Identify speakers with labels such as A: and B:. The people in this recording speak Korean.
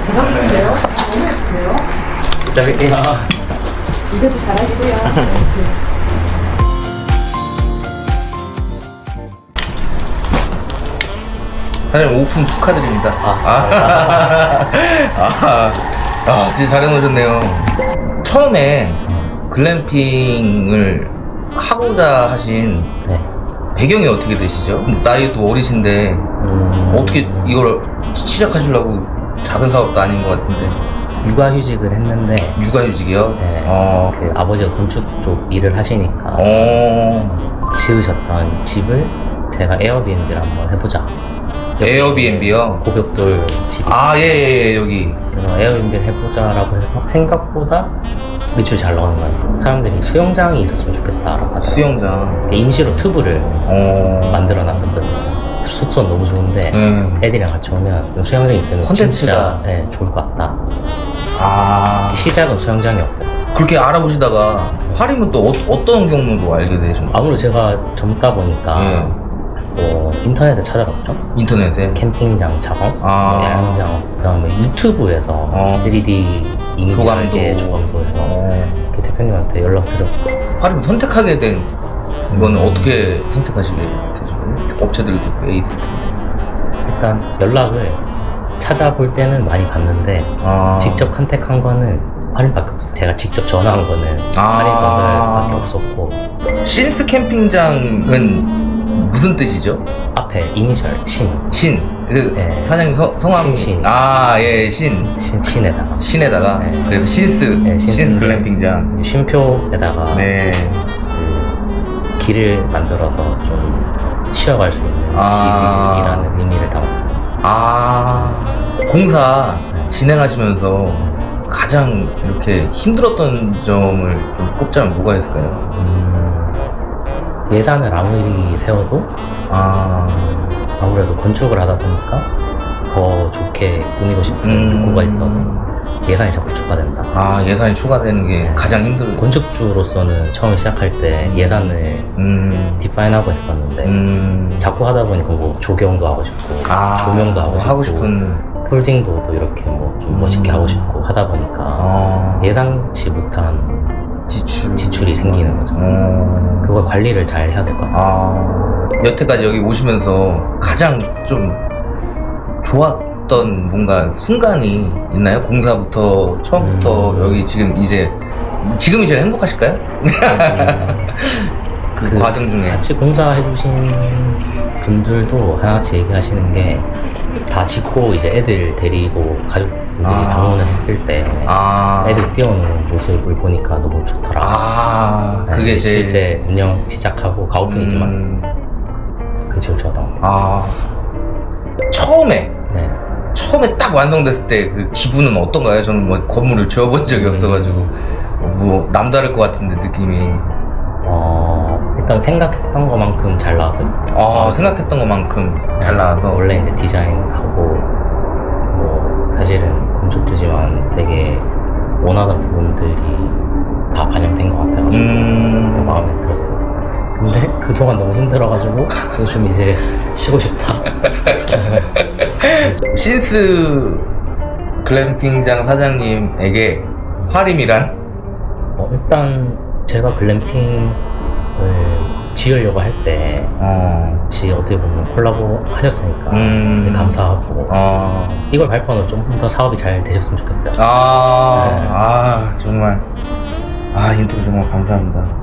A: 대박이신데요? 너무 예쁘네요.
B: 부탁할게요.
A: 이제도 잘하시고요.
C: 사장님 오픈 축하드립니다. 진짜 잘 해놓으셨네요. 처음에 글램핑을 하고자 하신
B: 네.
C: 배경이 어떻게 되시죠? 나이도 어리신데 어떻게 이걸 시작하시려고 작은 사업도 아닌 것 같은데.
B: 육아휴직을 했는데
C: 육아휴직이요?
B: 네, 그 아버지가 건축 쪽 일을 하시니까 지으셨던 집을 제가 에어비앤비를 한번 해보자.
C: 에어비앤비요?
B: 고벽돌 집이.
C: 예, 여기.
B: 그래서 에어비앤비를 해보자라고 해서 생각보다 매출이 잘 나오는 거예요. 사람들이 수영장이 있었으면 좋겠다라고 하더라고요.
C: 수영장.
B: 임시로 튜브를 만들어놨었거든요. 숙소는 너무 좋은데 애들이랑 같이 오면 수영장이 있으면
C: 콘텐츠가
B: 진짜 좋을 것 같다. 시작은 수영장이었고요.
C: 그렇게 알아보시다가 화림은 또 어떤 경로로 알게 되셨나요?
B: 아무래도 제가 젊다 보니까 뭐 인터넷에 찾아봤죠.
C: 인터넷에?
B: 캠핑장 작업, 뭐 야영장, 그 다음에 유튜브에서 3D 이미지 조감도해서 이렇게 대표님한테 연락드렸고.
C: 화림 선택하게 된 거는 어떻게 선택하시게 되죠? 업체들도 꽤 있을 텐데. 일단
B: 연락을 찾아볼 때는 많이 봤는데 직접 컨택한 거는 화림밖에 없어요. 제가 직접 전화한 거는 화림건설밖에 없었고.
C: 신스 캠핑장은 무슨 뜻이죠?
B: 앞에 이니셜 신.
C: 그 사장님 성함?
B: 신. 신에다가.
C: 신에다가. 그래서 신스 글램핑장.
B: 쉼표에다가 그 길을 만들어서 좀 쉬어갈 수 있는 길이라는 의미를 담았습니다.
C: 공사 진행하시면서 가장 이렇게 힘들었던 점을 좀 꼽자면 뭐가 있을까요?
B: 예산을 아무리 세워도 아무래도 건축을 하다 보니까 더 좋게 꾸미고 싶은 욕구가 있어서 예산이 자꾸 초과된다.
C: 예산이 초과되는 게 가장 힘들어요.
B: 건축주로서는 처음 시작할 때 예산을 디파인하고 했었는데 자꾸 하다 보니까 뭐 조경도 하고 싶고 조명도 하고 싶은 폴딩도 또 이렇게 뭐 좀 멋있게 하고 싶고 하다 보니까 예상치 못한 지출이 생기는 거죠. 그걸 관리를 잘 해야 될 것 같아요.
C: 여태까지 여기 오시면서 가장 좀 좋았던 뭔가 순간이 있나요? 공사부터 처음부터 여기 지금이 제일 행복하실까요? 그 과정 중에
B: 같이 공사해주신 분들도 하나같이 얘기하시는 게 다 짓고 이제 애들 데리고 가족분들이 방문을 했을 때 애들 뛰어노는 모습을 보니까 너무 좋더라.
C: 그게
B: 실제 운영 시작하고 가오픈이지만 그게 제일 좋았던 것 같아요.
C: 처음에 딱 완성됐을 때 그 기분은 어떤가요? 저는 뭐 건물을 지어본 적이 없어가지고 뭐 남다를 것 같은데 느낌이.
B: 일단 생각했던 것만큼 잘 나와서.
C: 생각했던 것만큼 잘 나와서.
B: 원래 이제 디자인하고 뭐 사실은 건축주지만 되게 원하던 부분들이 다 반영된 것 같아가지고 더 마음에 들었어요. 근데 그동안 너무 힘들어가지고 요즘 이제 쉬고 싶다.
C: 신스 글램핑장 사장님에게 화림이란?
B: 일단 제가 글램핑을 지으려고 할 때 어떻게 보면 콜라보 하셨으니까 되게 감사하고 이걸 발표하면 좀 더 사업이 잘 되셨으면 좋겠어요.
C: 정말 인터뷰 정말 감사합니다.